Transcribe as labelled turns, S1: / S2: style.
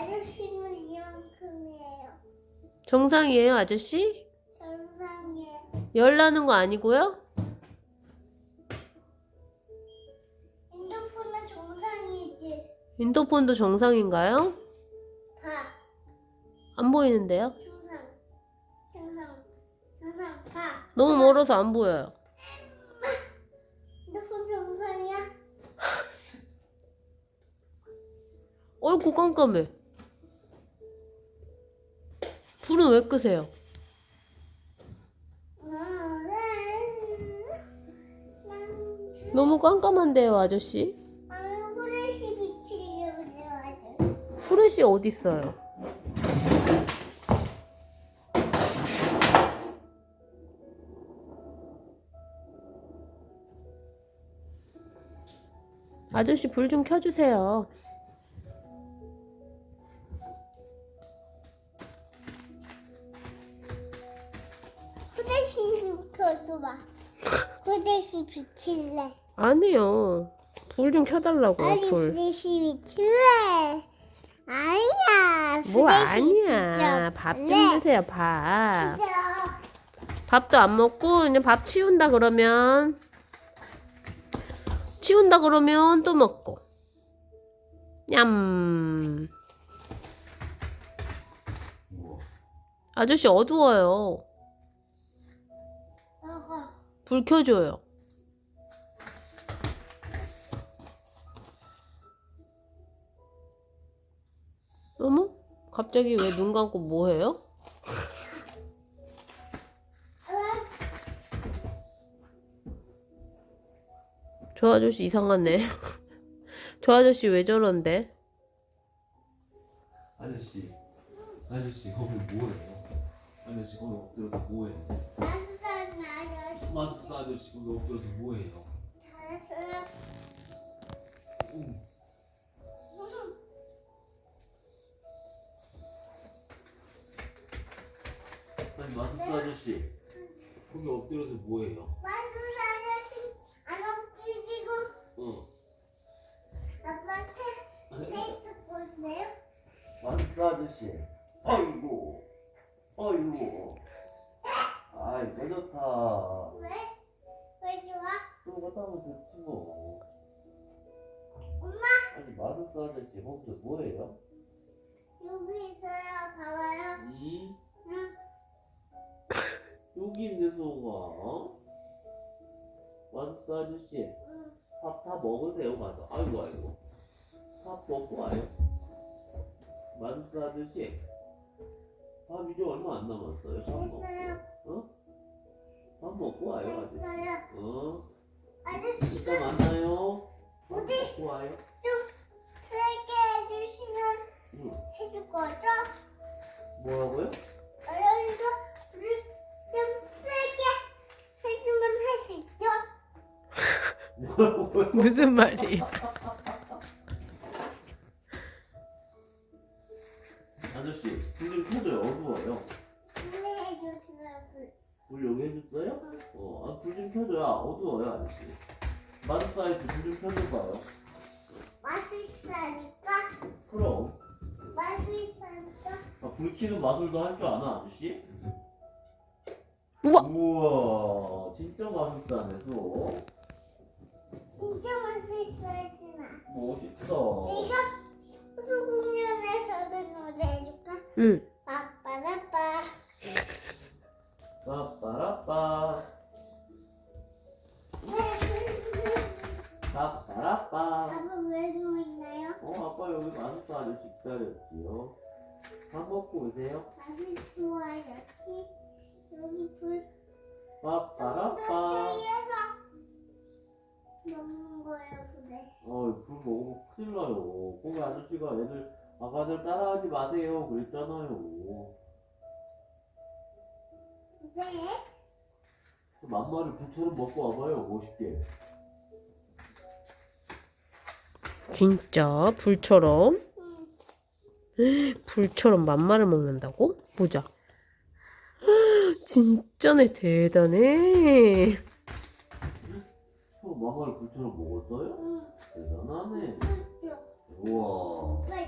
S1: 아저씨는 이만큼이에요.
S2: 정상이에요, 아저씨?
S1: 정상이에요.
S2: 열 나는 거 아니고요?
S1: 핸드폰은 정상이지.
S2: 인터폰도 정상인가요?
S1: 봐.
S2: 안 보이는데요?
S1: 정상, 봐.
S2: 너무 멀어서 안 보여요.
S1: 핸드폰 정상이야?
S2: 어이구, 깜깜해. 불은 왜 끄세요? 너무 깜깜한데요, 아저씨?
S1: 후레쉬 비치려고 그래가지고.
S2: 후레쉬 어딨어요? 아저씨 불 좀 켜주세요.
S1: 후레쉬 좀 켜줘봐. 후레쉬 비칠래.
S2: 아니요. 불 좀 켜달라고요,
S1: 아니
S2: 불.
S1: 후레쉬 비칠래. 아니야.
S2: 뭐
S1: 후레쉬
S2: 아니야.
S1: 비춰.
S2: 밥 좀
S1: 네.
S2: 드세요, 밥.
S1: 진짜.
S2: 밥도 안 먹고 그냥 밥 치운다 그러면 또 먹고. 냠. 아저씨 어두워요.
S1: 먹어.
S2: 불 켜줘요. 어머? 갑자기 왜 눈 감고 뭐 해요? 저 아저씨 이상하네. 저 아저씨 왜 저런데?
S3: 아저씨 거기 뭐해요? 아저씨 거기 엎드려서 뭐해요?
S1: 따뜻한 아저씨.
S3: 마트스 아저씨 거기 엎드려서 뭐해요?
S1: 잘했어요.
S3: 아니 마트스 아저씨 거기 엎드려서 뭐해요?
S1: 따뜻한 아저씨 안 엎드리고
S3: 어
S1: 아빠한테 페이스 꽂네요.
S3: 마트스 아저씨 아이고 아이 뭐 좋다
S1: 왜? 왜 좋아?
S3: 또 갔다 오면 좋지 뭐
S1: 엄마
S3: 아니 마트스 아저씨 거기서 뭐해요?
S1: 여기 있어요. 봐봐요.
S3: 응?
S1: 응.
S3: 여기 있는 소가 마트스 아저씨
S1: 응.
S3: 밥 다 먹으세요 가서 아이고 밥 먹고 와요 마트스 아저씨 밥 이제 얼마 안 남았어요 밥 먹고
S1: 됐어요.
S3: 어? 밥 먹고 와요 아저씨
S1: 됐어요.
S3: 어?
S1: 아저씨가
S3: 이따 만나요 밥
S1: 어디?
S3: 먹고 와요
S1: 좀 세게 해주시면
S3: 응.
S1: 해줄 거죠?
S3: 뭐라고요?
S1: 아저씨가 우리 좀 세게 해주면 할 수 있죠?
S3: 뭐라고요?
S2: 무슨 말이에요?
S3: 아저씨 불 좀 켜줘요 어두워요
S1: 근데 해주세요.
S3: 불 여기 해줬어요? 불 좀 켜줘요 어두워요 아저씨 마트스 아저씨 불 좀 켜줘봐요
S1: 맛있으니까
S3: 그럼
S1: 맛있으니까
S3: 불 켜는 마술도 할 줄 아나 아저씨?
S2: 우와!
S3: 우와 진짜 맛있다네 또
S1: 진짜 맛있어야지나.
S3: 멋있다
S1: 내가 호수 공연에서도 노래해줄까?
S2: 응.
S1: 빠빠라빠.
S3: 빠빠라빠 빠빠라빠
S1: 아빠 왜 누워있나요?
S3: 아빠 여기 마술사 아저씨 기다렸지요 밥 먹고 오세요
S1: 맛있어야지. 여기 불
S3: 빠빠라빠
S1: 세에서 먹는 거예요, 그래.
S3: 불 먹으면 큰일 나요 거기 아저씨가 아가들 따라하지 마세요 그랬잖아요
S1: 네.
S3: 만마를 불처럼 먹고 와봐요 멋있게
S2: 진짜 불처럼?
S1: 응.
S2: 불처럼 만마를 먹는다고? 보자. 진짜네, 대단해.
S3: 만마를 불처럼 먹었어요?
S1: 응.
S3: 대단하네
S1: 그렇죠.
S3: 우와
S1: 오빠